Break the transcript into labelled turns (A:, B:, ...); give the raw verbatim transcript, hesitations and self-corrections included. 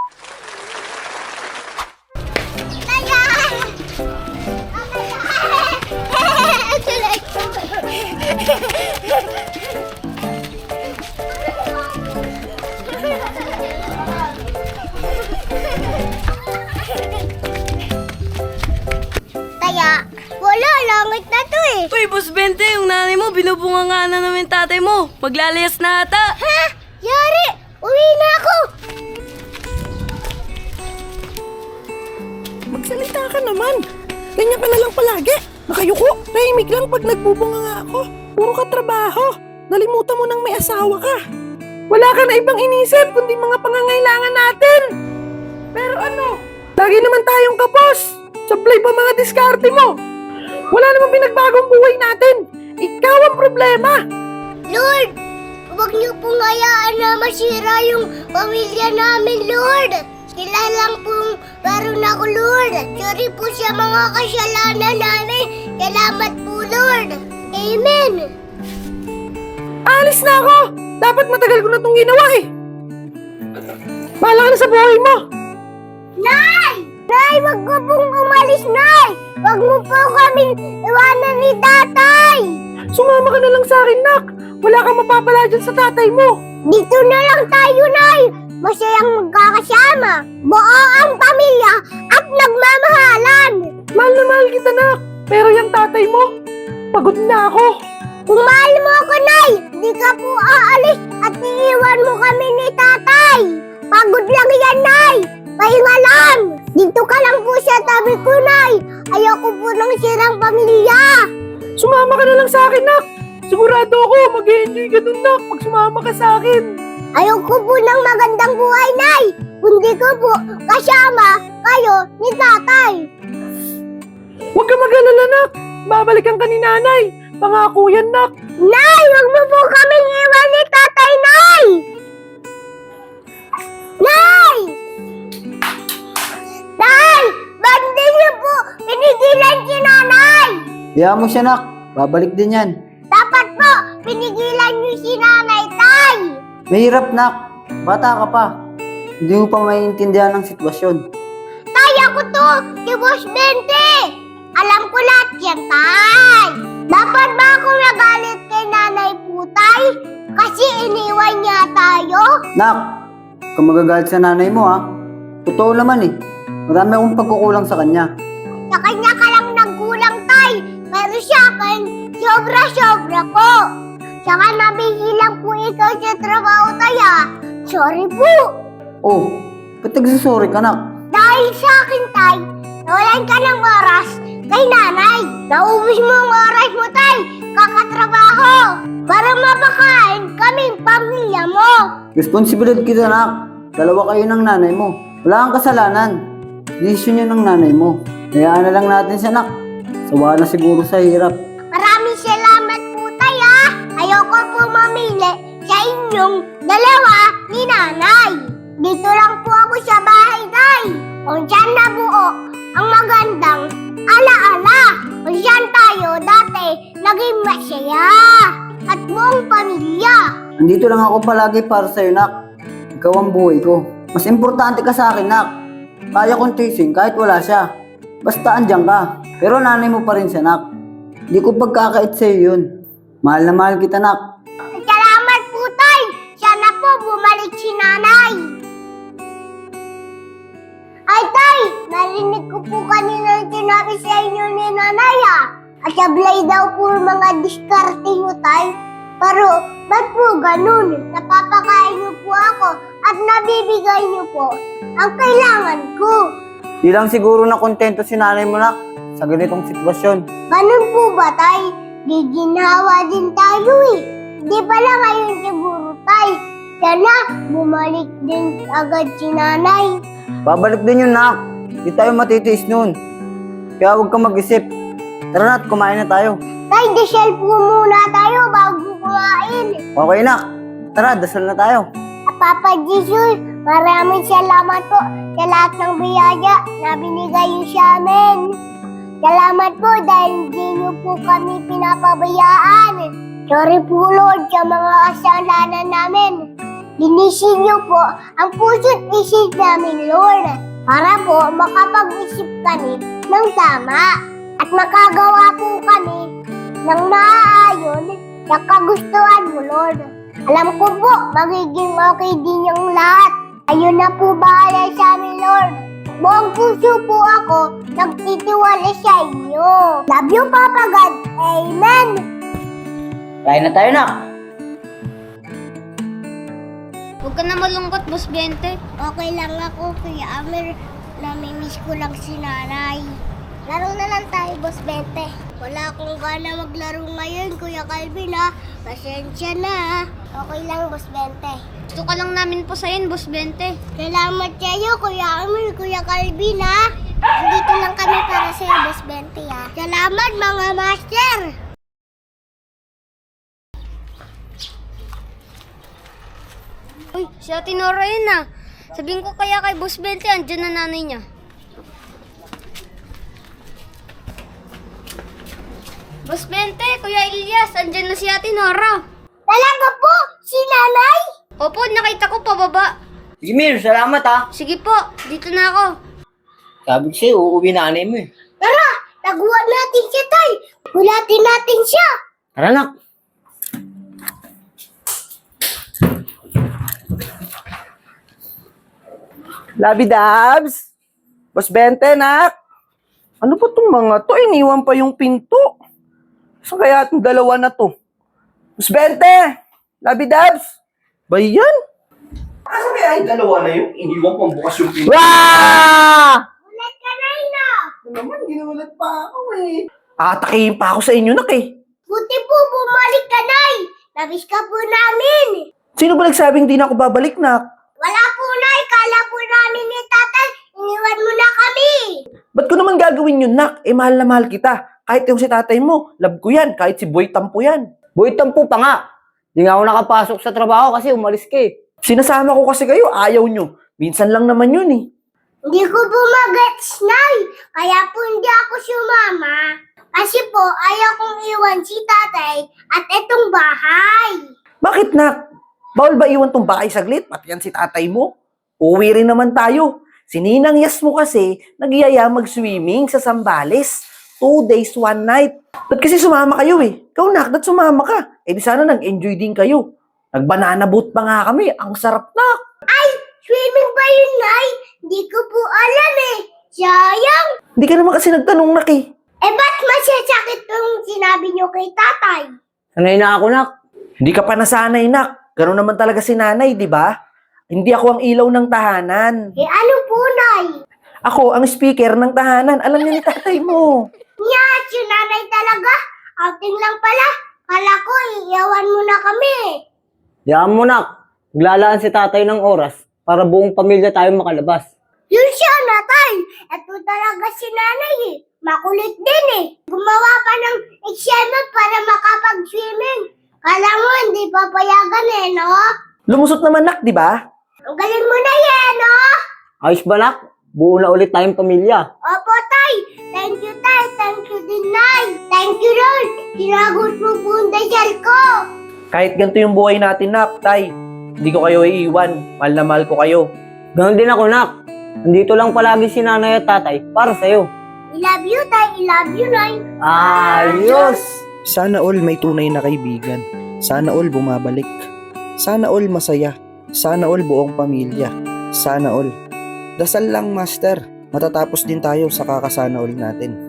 A: Kaya, wala, langit na to eh.
B: Uy, Boss Bente, yung nanay mo, binubunga nga na namin tatay mo. Maglalayas na ata.
A: Ha? Yari! Uwi na ako!
C: Magsalita ka naman. Ganyan ka na lang palagi. Nakayuko. Tahimik lang pag nagbubunga nga ako. Puro ka trabaho. Nalimutan mo nang may asawa ka. Wala ka na ibang inisip kundi mga pangangailangan natin. Pero ano? Lagi naman tayong kapos. Supply pa mga diskarte mo. Wala namang pinagbagong buhay natin. Ikaw ang problema.
A: Lord! Huwag niyo pong hayaan na masira yung pamilya namin, Lord! Sila lang pong meron ako, Lord! Sorry po sa mga kasalanan namin. Salamat po, Lord! Amen!
C: Alis na ako. Dapat matagal ko na itong ginawa eh. Bahala ka na sa buhay mo.
A: Nay! Nay, wag mo pong umalis, Nay! Wag mo po kaming iwanan ni Tatay!
C: Sumama ka na lang sa akin, Nak. Wala kang mapapala dyan sa tatay mo.
A: Dito na lang tayo, Nay! Masayang magkakasama. Buo ang pamilya at nagmamahalan.
C: Mahal na mahal kita, Nak. Pero yung tatay mo, pagod na ako.
A: Kung mahal mo ako, Nay, di ka po aalis at iiwan mo kami ni Tatay. Pagod lang yan, Nay. Pahinga lang. Dito ka lang po sa tabi ko, Nay. Ayoko po ng sirang pamilya.
C: Sumama ka na lang sa akin, Nak. Sigurado ako, mag-e-enjoy ka dun, Nak, pag sumama ka sa akin.
A: Ayoko po ng magandang buhay, Nay. Kundi ko po kasama kayo ni Tatay.
C: Huwag ka mag-alala, Nak. Babalikan ka ni Nanay. Pangako yan, Nak.
A: Nay, wag mo po kaming iwan ni Tatay, Nay! Nay! Nay! Ba't di niyo po pinigilan si Nanay?
D: Kaya mo siya, Nak. Babalik din yan.
A: Dapat po pinigilan niyo si Nanay, Tay!
D: Mahirap, Nak. Bata ka pa. Hindi mo pa maiintindihan ang sitwasyon.
A: Tay, ako to! Si Boss Bente! Alam ko lahat yan, Tay! Dapat ba ako nagalit kay Nanay po, Tay? Kasi iniwan niya tayo?
D: Nak, kung magagalit sa nanay mo, ha? Totoo naman eh. Marami akong pagkukulang sa kanya.
A: Sa kanya ka lang nagkulang, Tay. Pero siya akin, sobra-sobra po. Saka nabihilang po ikaw sa trabaho, Tay, ah. Sorry po.
D: Oh, ba't nagsasorry ka, Nak?
A: Dahil sa akin, Tay, nawalan ka ng oras kay Nanay. Naubos mo ang oras mo, Tay. Kakatrabaho. Para mapakain kaming pamilya mo.
D: Responsibilidad kita, Nak. Dalawa kayo ng nanay mo. Wala kang kasalanan. Desisyon yun ng nanay mo. Hayaan na lang natin siya, Nak. Sawa na siguro sa hirap.
A: Maraming salamat po, Tay, ah. Ayoko po mamili sa inyong dalawa ni Nanay. Dito lang po ako sa bahay, Tay. Kung saan nabuo ang magandang alaala. Kung saan tayo dati naging masaya. At buong pamilya.
D: Nandito lang ako palagi para sa'yo, Nak. Ikaw ang buhay ko. Mas importante ka sa akin, Nak. Kaya kong tising kahit wala siya. Basta andyan ka. Pero nanay mo pa rin siya, Nak. Hindi ko pagkakait sa'yo yun. Mahal na mahal kita, Nak.
A: Salamat po, Tay. Sana po bumalik si Nanay. Ay, Tay! Narinig ko po kanina yung sinabi sa inyo ni Nanay, ah. At sablay daw po yung mga diskarte nyo, Tay. Pero, ba't po ganun? Napapakain niyo po ako at nabibigay niyo po ang kailangan ko.
D: Di lang siguro na kontento si nanay mo, Nak, sa ganitong sitwasyon.
A: Ganun po ba, Tay? Giginhawa din tayo eh. Di pala ngayon siguro, Tay. Sana bumalik din agad si Nanay.
D: Babalik din yun, Nak. Di tayo matitiis nun. Kaya huwag kang mag-isip. Tara na at kumain na tayo.
A: Tay, dasal po muna tayo bago kumain.
D: Okay, Nak. Tara, dasal na tayo.
A: At Papa Jesus, maraming salamat po sa lahat ng biyaya na binigay niyo sa amin. Salamat po dahil hindi niyo po kami pinapabayaan. Sorry po, Lord, sa mga kasalanan namin. Linisin niyo po ang puso't isip namin, Lord, para po makapag-isip kami ng tama at makagawa po kami ng maaayon na kagustuhan mo, Lord. Alam ko po, magiging okay din yung lahat. Ayun na po bahala sa amin, Lord. Buong puso po ako nagtitiwala sa inyo. Love you, Papa God. Amen.
D: Kain na tayo, nak.
E: Huwag ka na malungkot, Boss Bente.
A: Okay lang ako, Kuya Amir. Namimiss ko lang si nanay. Laro na lang tayo, Boss Bente. Wala akong gana maglaro ngayon, Kuya Calvin, ha. Pasensya na, ha. Okay lang, Boss Bente.
E: Gusto ka lang namin posayin, Boss Bente.
A: Salamat kayo, Kuya Amir, Kuya Calvin, ha. Dito lang kami para sa'yo, Boss Bente, ha. Salamat, mga master.
E: Uy, si Ate Nora yun ah. Sabihin ko kaya kay Boss Bente, andyan na nanay niya. Boss Bente, Kuya Ilyas, andyan na si Ate Nora.
A: Talaga po, si nanay?
E: Opo, nakita ko pababa.
D: Sige, Mir, salamat ha.
E: Sige po, dito na ako.
D: Sabi ko sa'yo, uuwi nanay mo eh.
A: Tara, taguan natin siya, tay. Hulatin natin siya.
D: Tara, nak.
C: Labi Dabs! Boss Bente, nak! Ano ba itong mga to? Iniwan pa yung pinto. Saan kaya itong dalawa na to? Boss Bente! Labi Dabs! Ba yan? Saan kaya yung dalawa na yung iniwan pang bukas yung pinto?
D: Wah!
A: Ulat ka na, Ina.
C: Ano naman, ginulat pa ako eh. Atakihin pa ako sa inyo, nak eh.
A: Buti po, bumalik ka, Nay. Nabis ka po namin.
C: Sino ba nagsabing di na ako babalik, nak?
A: Wala po, Nay. Kala po namin ni tatay. Iniwan mo na kami.
C: Ba't ko naman gagawin yun, nak? Eh, mahal na mahal kita. Kahit yung si tatay mo, love ko yan. Kahit si Boy Tampo yan.
D: Boy, tampo pa nga. Di nga ako nakapasok sa trabaho kasi umalis ka eh.
C: Sinasama ko kasi kayo, ayaw nyo. Minsan lang naman yun eh.
A: Hindi ko po mag-gets, Nay. Kaya po hindi ako sumama. Kasi po, ayaw kong iwan si tatay at itong bahay.
C: Bakit, nak? Bawal ba iwan tong bahay saglit? Pati yan si tatay mo. Uwi rin naman tayo. Si Ninang Yas mo kasi, nagyaya mag-swimming sa Zambales. Two days, one night. Ba't kasi sumama kayo eh? Ikaw, nak, ba't sumama ka? Eh di sana nag-enjoy din kayo. Nag-banana boat pa nga kami. Ang sarap, nak.
A: Ay, swimming ba yun, Nay? Hindi ko po alam eh. Sayang.
C: Hindi ka naman kasi nagtanong, nak eh.
A: Eh, ba't masasakit yung sinabi niyo kay tatay?
D: Sanay na ako, nak.
C: Hindi ka pa nasanay, nak. Ganun naman talaga si nanay, di ba? Hindi ako ang ilaw ng tahanan.
A: Eh, ano po, Nay?
C: Ako ang speaker ng tahanan. Alam niya ni tatay mo.
A: Nyat, yung nanay talaga. Outing lang pala. Kala ko, iiyawan mo na kami.
D: Diyan mo, nak. Maglalaan si tatay ng oras para buong pamilya tayo makalabas.
A: Yun siya, natay. Ito talaga si nanay eh. Makulit din eh. Gumawa pa ng eksena para makapag-swimming. Kala mo, hindi papayagan eh, no?
C: Lumusot naman, nak, di ba?
A: Ang galing mo na yan, no?
D: Ayos ba, nak? Buo na ulit tayong pamilya.
A: Opo, tay. Thank you, tay. Thank you din, nay. Thank you, Lord. Sinagot mo po ang dasal ko.
C: Kahit ganito yung buhay natin, nak, tay. Hindi ko kayo iiwan. Mahal na mahal ko kayo.
D: Ganon din ako, nak. Nandito lang palagi si nanay at tatay para sa'yo.
A: I love you, tay. I love you, nay.
D: Ayos!
F: Sana all may tunay na kaibigan. Sana all bumabalik. Sana all masaya. Sana all buong pamilya. Sana all. Dasal lang, Master. Matatapos din tayo sa kakasana all natin.